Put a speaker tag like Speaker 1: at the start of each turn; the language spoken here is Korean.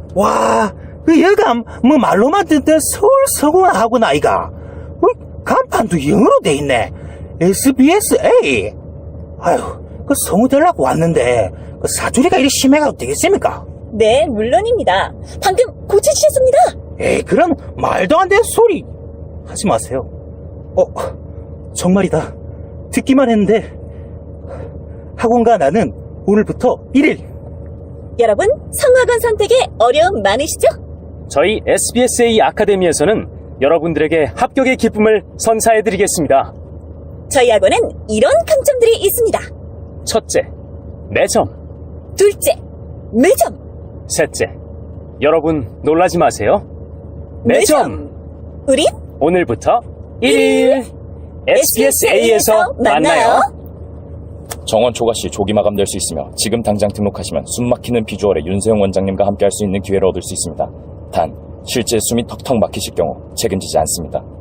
Speaker 1: 와, 그 여가 뭐 말로만 듣던 서울 서구학원 아이가 간판도 영어로 돼 있네. SBSA. 아유, 그 성우 되려고 왔는데 그 사투리가 이리 심해가도 되겠습니까?
Speaker 2: 네, 물론입니다. 방금 고쳐주셨습니다.
Speaker 1: 에이, 그런 말도 안 되는 소리 하지 마세요. 정말이다. 듣기만 했는데 학원과 나는 오늘부터 1일.
Speaker 2: 여러분, 성악원 선택에 어려움 많으시죠?
Speaker 3: 저희 SBSA 아카데미에서는 여러분들에게 합격의 기쁨을 선사해드리겠습니다.
Speaker 2: 저희 학원엔 이런 강점들이 있습니다.
Speaker 3: 첫째, 매점.
Speaker 2: 둘째, 매점.
Speaker 3: 셋째, 여러분 놀라지 마세요. 매점!
Speaker 2: 우린
Speaker 3: 오늘부터 1일 SBSA에서 만나요.
Speaker 4: 정원 초과시 조기 마감될 수 있으며 지금 당장 등록하시면 숨막히는 비주얼의 윤세용 원장님과 함께 할 수 있는 기회를 얻을 수 있습니다. 단, 실제 숨이 턱턱 막히실 경우 책임지지 않습니다.